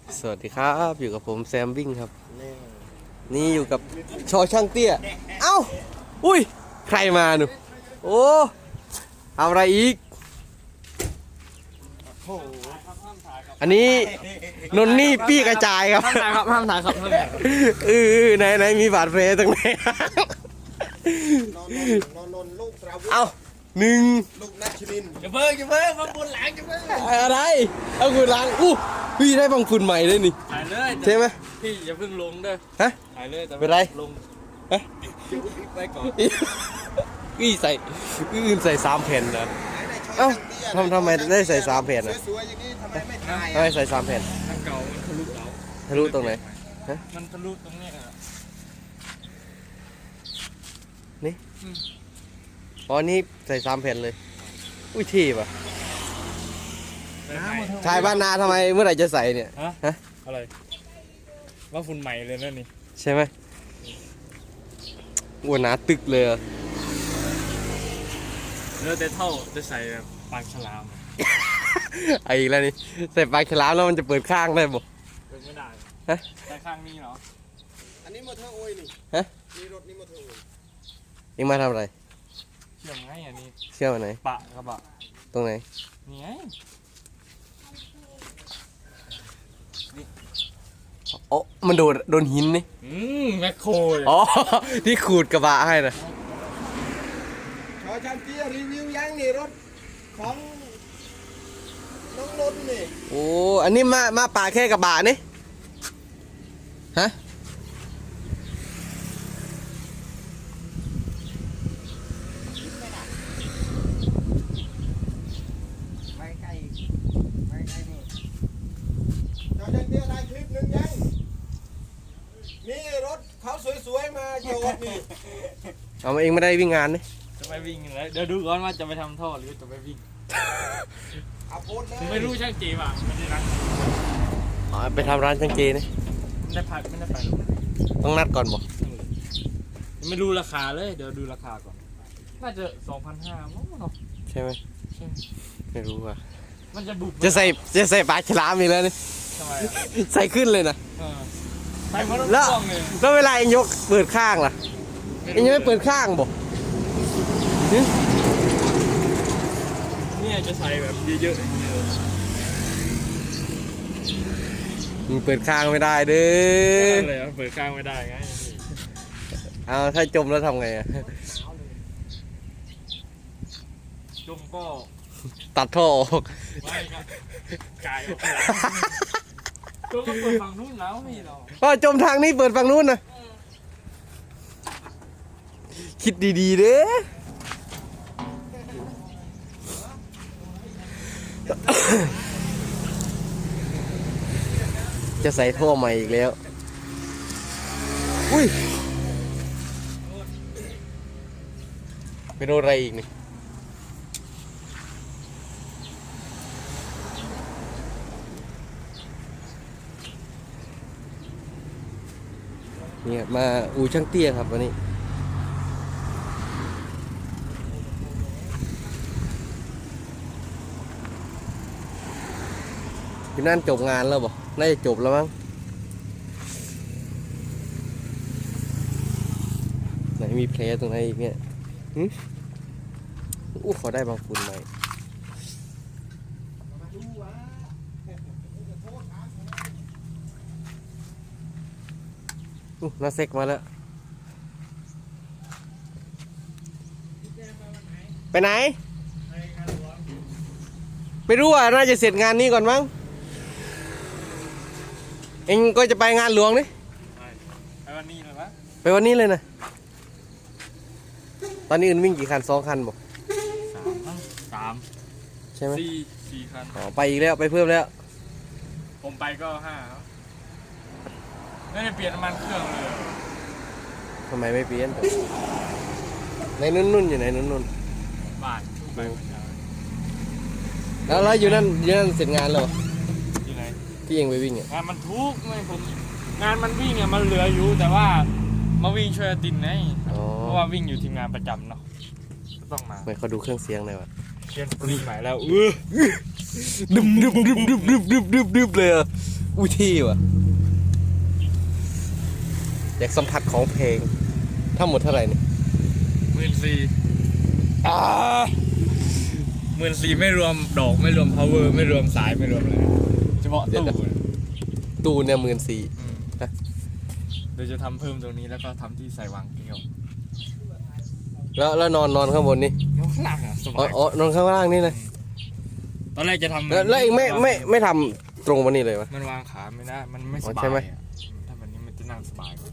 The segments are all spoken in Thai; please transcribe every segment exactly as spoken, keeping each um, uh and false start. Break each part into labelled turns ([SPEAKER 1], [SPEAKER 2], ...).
[SPEAKER 1] สวัสดีครับอยู่กับผมแซมวิ่งครับนี่อยู่กับชอช่างเตี้ยเอ้าอุ้ยใครมาหนูโอ้เอาอะไรอีกอันนี้นนนี่ปี้กระจายครับ
[SPEAKER 2] ห้ามถ่ายครับห้ามถ่ายครับห้ามถ่าย
[SPEAKER 1] เออไหนไหนมีบาดแผลตรงไหน
[SPEAKER 3] นอนนอนนอนลูกสาว
[SPEAKER 1] เอ้าหนึ่ง
[SPEAKER 3] ลูกนัชชิน
[SPEAKER 2] อย่าเพิ่งอย่าเพิ่งมาบนหลังอย่าเพิ่ง
[SPEAKER 1] อะไรเอาคุณล้างอู้พี่ได้บังฝุ่นใหม่เลยนี่
[SPEAKER 2] ถ่ายเลย
[SPEAKER 1] ใช่ไหม
[SPEAKER 2] พี่อย่าเพิ่งลงเด้อ
[SPEAKER 1] ฮะ
[SPEAKER 2] ถ่ายเลยแต่
[SPEAKER 1] เป็นไร
[SPEAKER 2] ลง
[SPEAKER 1] ฮะ
[SPEAKER 2] ไว้ก่อน
[SPEAKER 1] พี่ใส่อื่นใส่สามแผ่นนะเอ้าทำทำไมได้ใส่สามแผ่นอ่ะ
[SPEAKER 3] สวยๆอย่างนี้ทำไมไม่ถ่าย
[SPEAKER 1] ทำไมใส่สามแผ่น
[SPEAKER 2] ทางเก่ามันทะลุเรา
[SPEAKER 1] ทะลุตรงไหน ฮะ
[SPEAKER 2] มันทะลุตรงเนี้ยอะ
[SPEAKER 1] นี่อ๋อนี่ใส่สามแผ่นเลย อุ้ยที่ป่ะ
[SPEAKER 2] น้ำมัน
[SPEAKER 1] ชายบ้านนาทำไมเมื่อไหร่จะใส่เนี่ย
[SPEAKER 2] ฮะ
[SPEAKER 1] ฮะ
[SPEAKER 2] อะไรว่าฝุ่นใหม่เลยนั่นนี่
[SPEAKER 1] ใช่ไหมอ้วนหนาตึกเลยอะ
[SPEAKER 2] เนื้อแต่เท่าจะใส่แบบปากฉลาม
[SPEAKER 1] ไอ้อีกแล้วนี่ใส่ปลายฉลามแล้วมันจะเปิดข้างได้บ่
[SPEAKER 2] เป็นไม่ได้
[SPEAKER 1] ฮะ
[SPEAKER 2] แต่ข้างนี้เหรอ
[SPEAKER 3] อันนี้มอเตอร์โอยนี่
[SPEAKER 1] ฮะ
[SPEAKER 3] นี่รถนี่มอเตอร์โอย
[SPEAKER 1] เอ็งมาทำอะไร
[SPEAKER 2] เชื่อมไงอันนี้
[SPEAKER 1] เชื่อมอันไหน
[SPEAKER 2] ปะกระบะ
[SPEAKER 1] ตรงไหน
[SPEAKER 2] นี่ไง
[SPEAKER 1] โอ้มันโดนโดนหินนี่
[SPEAKER 2] อืมแมคโครเลย
[SPEAKER 1] อ๋อ ที่ขูดกระบะให้นะ
[SPEAKER 3] ชอชันเตี้ยรีวิวยังนี่รถของน้องนนท์นี่
[SPEAKER 1] โอ้อันนี้มามาป่าแค่กระบะนี่ฮะ
[SPEAKER 3] ไปไกลไปไกลนี่ชอชันเตี้ยได้คลิปหนึ่งยังนี่รถเขาสวยๆมาโยนนี่
[SPEAKER 1] เอามาเองไม่ได้วิ่งงานนี่
[SPEAKER 2] จะไปวิ่งแล้วเดี๋ยวดูก่อนว่าจะไปทำท่อหรือจะไปวิ่ง
[SPEAKER 3] เอาโพสต์เล
[SPEAKER 2] ผม
[SPEAKER 3] ย
[SPEAKER 2] ไม่รู้ช่างจีบอ่ะไม่ได้นัด
[SPEAKER 1] อ๋อไปทำร้านจังเจนี่
[SPEAKER 2] ไม่ได้พักไม่ได้ไป
[SPEAKER 1] ต้องนัดก่อนบ่
[SPEAKER 2] ยังไม่รู้ราคาเลยเดี๋ยวดูราคาก่อนน่าจะสองพันห้ามั้งเนาะ
[SPEAKER 1] ใช่ไหม
[SPEAKER 2] ใช่
[SPEAKER 1] ไม่รู้อ่ะ
[SPEAKER 2] มันจะบุบ
[SPEAKER 1] จะใส่จะใส่ปลาฉลามอีกแล้วนี่
[SPEAKER 2] ทำไมอ่ะ
[SPEAKER 1] ใส่ขึ้นเลยนะ
[SPEAKER 2] เออใส่เพราะรถ
[SPEAKER 1] แล้ว
[SPEAKER 2] พ่วงเลย
[SPEAKER 1] แล้วเวลาเองยกเปิดข้างล่ะเองยังไม่เปิดข้างบ่หึ
[SPEAKER 2] เนี่ยจะใส่แบบเยอะๆอย่างเงี้ย
[SPEAKER 1] มึงเปิดข้างไม่ได้เด้อ
[SPEAKER 2] อะไรอ่ะเปิดกลางไม่ได้ไง
[SPEAKER 1] เอาถ้าจมแล้วทำไงอะ
[SPEAKER 2] จมก็
[SPEAKER 1] ตัดท่อออก
[SPEAKER 2] ไม่ครับกายออกหลังจมก็เปิดฝั่งนู้นแล้วไม่หรอก
[SPEAKER 1] ก็จมทางนี้เปิดฝั่งนู้นนะคิดดีๆเด้อ จะใส่ท่อใหม่อีกแล้ว อุ้ยเป็นอะไรอีกนี่เนี่ยมาอูช่างเตี้ยครับวันนี้อยู่นั่นจบงานแล้วบ่น่าจะจบแล้วมั้งไหนมีแผลตรงไหนอีกเนี่ยหึอู้ขอได้บางฝุ่นใหม่อู้น่าเซ็กมาแล้วไปไหนไม่รู้อ่ะน่าจะเสร็จงานนี้ก่อนมั้งเองก็จะไปงานหลวงนี่
[SPEAKER 2] ไปวันนี้เลยปะ
[SPEAKER 1] ไปวันนี้เลยนะตอนนี้อื่นวิ่งกี่คันสองคันบอก
[SPEAKER 2] สามมั้งสาม
[SPEAKER 1] ใช่ไหม
[SPEAKER 2] สี่สี่คัน
[SPEAKER 1] อ๋อไปอีกแล้วไปเพิ่มแล้ว
[SPEAKER 2] ผมไปก็ห้าครับไม่ได้เปลี่ยนน้ำมันเครื่องเลย
[SPEAKER 1] ทำไมไม่เปลี่ยนในนุ่นๆอยู่ไหนนุ่น
[SPEAKER 2] บาทไปเมื่อเช้า
[SPEAKER 1] ๆแล้วแล้วอยู่นั่นอยู่นั่นเสร็จงานแล้วเหรอ
[SPEAKER 2] อยู่ไหน
[SPEAKER 1] ที่เองไปวิ่งอ่ะ
[SPEAKER 2] งานมันทุกข์ไงผมงานมันวิ่งอ่ะมันเหลืออยู่แต่ว่ามาวิ่งช่วยอาตินไง
[SPEAKER 1] อ๋อ
[SPEAKER 2] เพราะว่าวิ่งอยู่ทีมงานประจำเนาะก็ต้องมา
[SPEAKER 1] ไม่เขาดูเครื่องเสียงหน่อยวะ
[SPEAKER 2] เปลี่ยนปรีใหม่แล้วเออ
[SPEAKER 1] ดึบดึบดึบดึบดึบดึบดึบดึบเลยอ่ะอุ้ยที่ว่ะอยากสัมผัสของเพลงทั้งหมดเท่าไหร่นี่
[SPEAKER 2] หมื่นสี่อ่าหมื่นสี่ไม่รวมดอกไม่รวม power ไม่รวมสายไม่รวมอะไรเฉพาะตู้
[SPEAKER 1] ตู้เนี่ยหมื่นสี่
[SPEAKER 2] อืมเดี๋ยวจะทำเพิ่มตรงนี้แล้วก็ทำที่ใส่วางแก้ว
[SPEAKER 1] แล้วแล้วนอนนอนข้างบนนี่
[SPEAKER 2] นอนข้างล่างอ่ะส
[SPEAKER 1] อ๋อบ
[SPEAKER 2] าย
[SPEAKER 1] อ๋อนอนข้างล่างนี่นะ
[SPEAKER 2] ตอนแรกจะทำ
[SPEAKER 1] แล้วแล้วเองไม่ไม่ไม่ทำตรงวันนี้เลยวะ
[SPEAKER 2] มันวางขาไม่ได้มันไม่ส
[SPEAKER 1] อ๋อบ
[SPEAKER 2] า
[SPEAKER 1] ใช่
[SPEAKER 2] ย
[SPEAKER 1] ไหม
[SPEAKER 2] อ่ะถ้าแบบนี้มันจะนั่งสบายกว่า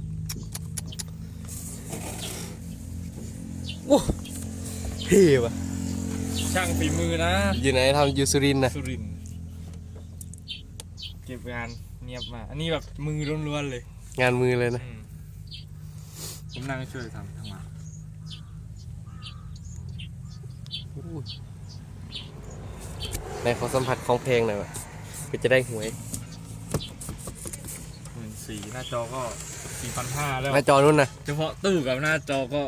[SPEAKER 1] โอ้เท่ว่ะ
[SPEAKER 2] ช่างฝีมือนะ
[SPEAKER 1] อยู่ไหนทำยูสุรินทร์นะ
[SPEAKER 2] สุรินทร์เก็บงานเนียบมากอันนี้แบบมือล้วนๆเลย
[SPEAKER 1] งานมือเลยนะ
[SPEAKER 2] อืมผมนั่งช่วยทำทั้งวัน
[SPEAKER 1] ในขอสัมผัสของเพลงหน่อยวะเพื่อจะได้หวย
[SPEAKER 2] หมื่นสี่หน้าจอก็สี่พันห้าแล้ว
[SPEAKER 1] หน้าจอนู่นนะ
[SPEAKER 2] เฉพาะตู้กับหน้าจอก็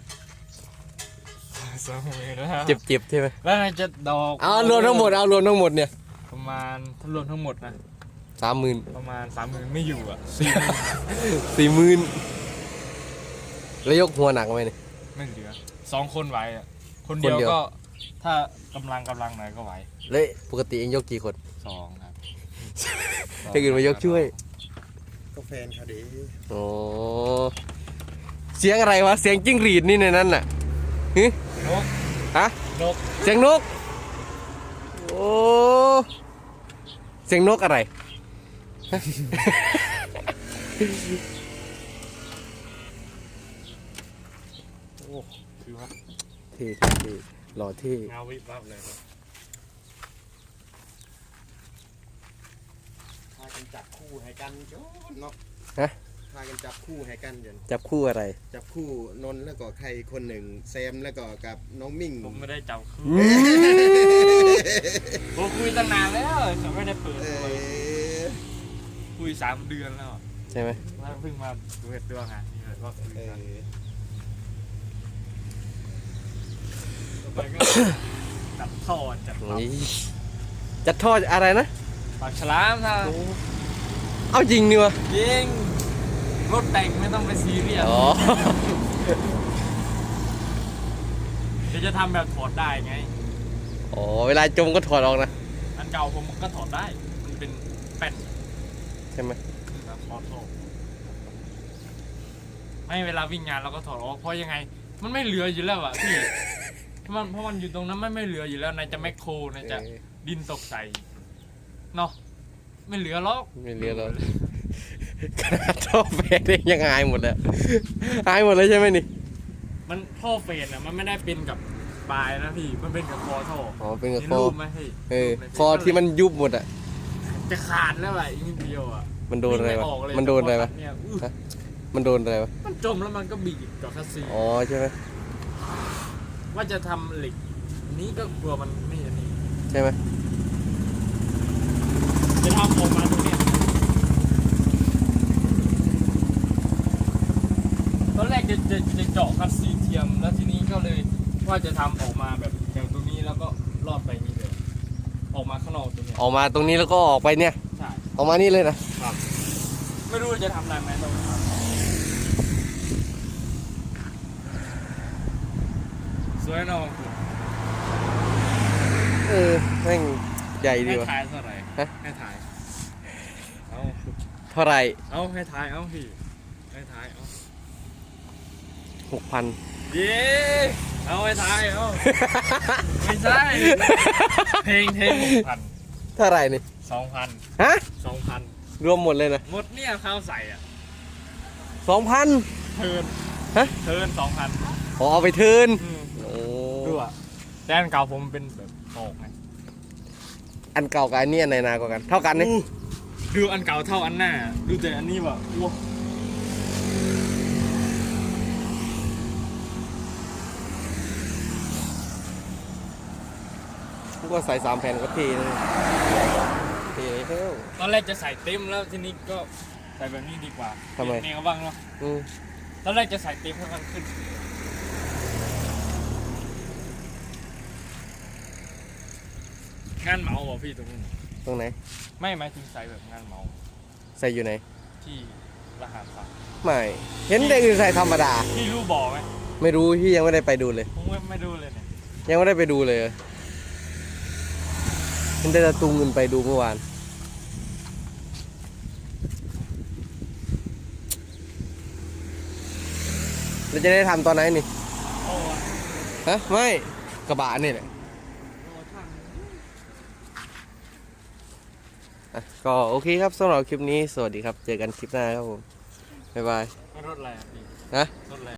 [SPEAKER 2] สองหมื่นแล้ว
[SPEAKER 1] เจ็บเจ็บใช่ไหม
[SPEAKER 2] แล้วไงจะดอก
[SPEAKER 1] เอารวมทั้งหมดเอารวมทั้งหมดเนี่ย
[SPEAKER 2] ประมาณถ้ารวมทั้งหมดนะ
[SPEAKER 1] สามหมื่น
[SPEAKER 2] ประมาณสามหมื่นไม่อยู่อ่ะสี่หมื่น
[SPEAKER 1] สี่หมื่นแล้วยกหัวหนักไหมเนี่ย
[SPEAKER 2] ไม่เหลือสองคนไหวอ่ะคนเดียว
[SPEAKER 1] คนเดียว
[SPEAKER 2] ก็ถ้ากำลังกำลังหน่อยก็ไหว
[SPEAKER 1] แล้วปกติเองยกกี่คน
[SPEAKER 2] สองครับ
[SPEAKER 1] ให้อื่นมายกช่วย
[SPEAKER 3] ก็แฟนเขาดี
[SPEAKER 1] โอ้เสียงอะไรวะเสียงจิ้งหรีดนี่ในนั้นน่ะฮึ
[SPEAKER 2] นก
[SPEAKER 1] ฮะ
[SPEAKER 2] นก
[SPEAKER 1] เสียงนกโอ้เสียงนกอะไร
[SPEAKER 2] โอ้คือว่า
[SPEAKER 1] เท่เท่เท่หล่อเท่
[SPEAKER 2] เงาวิบวับเลยครับ
[SPEAKER 3] พากันจับคู่ให้กันโจ้เนาะ
[SPEAKER 1] ฮะ
[SPEAKER 3] พากันจับคู่ให้กันจน
[SPEAKER 1] จับคู่อะไร
[SPEAKER 3] จับคู่นนท์แล้วก็ใครคนหนึ่งแซมแล้วก็กับน้องมิ่ง
[SPEAKER 2] ผมไม่ได้จับคู่
[SPEAKER 1] อืม
[SPEAKER 2] ผมคุยตั้งนานแล้วแต่ไม่ได้เปิด
[SPEAKER 3] เอ
[SPEAKER 2] เลย
[SPEAKER 3] อ
[SPEAKER 2] คุยสามเดือนแล้ว
[SPEAKER 1] ใช่ไหม
[SPEAKER 2] แล้วเพิ่งมาดูเหตุตัวงานนี่เลยว่าคุย
[SPEAKER 3] เอ
[SPEAKER 2] กัน
[SPEAKER 3] อ
[SPEAKER 2] ต่อไปก็จับท่อจับปั๊ม
[SPEAKER 1] นี่จัดทอดอะไรนะ
[SPEAKER 2] ปากฉลามถ้า
[SPEAKER 1] เอาจริงนี่วะ
[SPEAKER 2] ยิงรถแต่งไม่ต้องไปซีเรียส
[SPEAKER 1] อ๋อ
[SPEAKER 2] เดี๋ยวจะทำแบบถอดได้ไง
[SPEAKER 1] อ๋อเวลาจมก็ถอดออกนะ
[SPEAKER 2] อันเก่าผมก็ถอดได้ มันเป็นแป้น
[SPEAKER 1] ใช่ไหม
[SPEAKER 2] แบบออโต้ไม่เวลาวิ่งงานเราก็ถอดออกเพราะยังไง มันไม่เหลืออยู่แล้วอะพี่มันเพราะมันอยู่ตรงนั้นไม่ไม่เหลืออยู่แล้วนายจะแมคโครนายจะ
[SPEAKER 1] เออ
[SPEAKER 2] ดินตกใส่เนาะไม่เหลือหรอก
[SPEAKER 1] ไม่เหลือหรอก ขนาดท่อแฟนเองยังหายหมดแล้วหายหมดเลยใช่ไหมนี่
[SPEAKER 2] มันท่อเฟนอะมันไม่ได้เป็นกับปลายนะพี่มันเป็นกับคอท่อ
[SPEAKER 1] อ๋อเป็นกับ
[SPEAKER 2] มี
[SPEAKER 1] คอ
[SPEAKER 2] รูปไหมพี่
[SPEAKER 1] เออ
[SPEAKER 2] รูปใน
[SPEAKER 1] คอที่มันยุบหมดอ่ะ
[SPEAKER 2] จะขาดแล้วอะอีกนิดเดียวอะ
[SPEAKER 1] มันโดนอะไรวะ
[SPEAKER 2] วิ่งม่กเลย
[SPEAKER 1] มันโดนอะไรวะ
[SPEAKER 2] เนี่ยอื้อ
[SPEAKER 1] ฮะ มันโดนอะไรวะ
[SPEAKER 2] มันจมแล้วมันก็บีบกับคัสซี
[SPEAKER 1] อ๋อใช่ไหม
[SPEAKER 2] ว่าจะทำเหล็กนี้ก็กลัวมันไม่อันนี้
[SPEAKER 1] ใช่ไหม
[SPEAKER 2] จะทำออกมาตรงเนี้ยตอนแรกจะจะจะเจาะคัสซีเทียมแล้วทีนี้ก็เลยว่าจะทำออกมาแบบแถวตรงนี้แล้วก็ลอดไปนี่เลยออกมาข้างนอกตรงเนี้ย
[SPEAKER 1] ออกมาตรงนี้แล้วก็ออกไปเนี่ย
[SPEAKER 2] ใช่
[SPEAKER 1] ออกมานี่เลยนะ
[SPEAKER 2] ครับไม่รู้จะทำได้ไหมต้องทำสวยเนอะ
[SPEAKER 1] เออแม่งใหญ่ดี
[SPEAKER 2] ให้
[SPEAKER 1] วะ
[SPEAKER 2] ถ่ายเท่าไหร่
[SPEAKER 1] ฮะ
[SPEAKER 2] ให้ถ่ายเอา
[SPEAKER 1] เท่าไหร่
[SPEAKER 2] เอาให้ถ่ายเอาพี่ให้ถ่ายเอา
[SPEAKER 1] หกพัน
[SPEAKER 2] เย้เอาให้ถ่ายเอาไม่ใช่ เพลงเพลงหกพัน
[SPEAKER 1] เท่าไหร่นี่
[SPEAKER 2] สองพัน
[SPEAKER 1] ฮะ
[SPEAKER 2] สองพัน
[SPEAKER 1] รวมหมดเลยนะ
[SPEAKER 2] หมดเนี่ยข้าวใส่อ่ะ
[SPEAKER 1] สองพัน
[SPEAKER 2] เทิร์น
[SPEAKER 1] ฮะ
[SPEAKER 2] เทิร์นสองพัน
[SPEAKER 1] ขอเอาไปเทิร์นโอ้
[SPEAKER 2] ดูอ่ะแต่อันเก่าผมเป็นแบบตอกไง
[SPEAKER 1] อันเก่ากับอันนี้อันไหนนากว่ากัน เท่ากันนี่
[SPEAKER 2] อู้ดูอันเก่าเท่าอันหน้า ดูแต่อันนี้แบบว้า
[SPEAKER 1] ก็ใส่สามแผ่นก็เทเลยเทเลยเท่า
[SPEAKER 2] ตอนแรกจะใส่เต็มแล้วทีนี้ก็ใส่แบบนี้ดีกว่า
[SPEAKER 1] ทำไม
[SPEAKER 2] แนวบ้างเนาะ
[SPEAKER 1] อืม
[SPEAKER 2] ตอนแรกจะใส่เต็มให้มันขึ้นงานเหมาเหรอพี่ตรงนู้น
[SPEAKER 1] ฮตรงไหน
[SPEAKER 2] ไม่หมายถึงใส่แบบงานเหมา
[SPEAKER 1] ใส่อยู่ไหน
[SPEAKER 2] ที่รหัสฝาก
[SPEAKER 1] ไม่ เห็นเด็กอื่นใส่ธรรมดา
[SPEAKER 2] พี่รู้บ่อไหม
[SPEAKER 1] ไม่รู้พี่ยังไม่ได้ไปดูเลย
[SPEAKER 2] ผมไม่ไม่ดูเลยเนี่ย
[SPEAKER 1] ยังไม่ได้ไปดูเลยเห็นแต่ตะตุงเงินไปดูเมื่อวานเราจะได้ทำตอนไหนนี่
[SPEAKER 2] โอ้ย
[SPEAKER 1] ฮะ ไม่ กระบะนี่แหละ
[SPEAKER 2] รอช่าง
[SPEAKER 1] อ่ะก็โอเคครับสำหรับคลิปนี้ สวัสดีครับ เจอกันคลิปหน้าครับผม บ๊ายบาย
[SPEAKER 2] รถอะไรอ่ะพี่
[SPEAKER 1] ฮะ
[SPEAKER 2] รถอะไร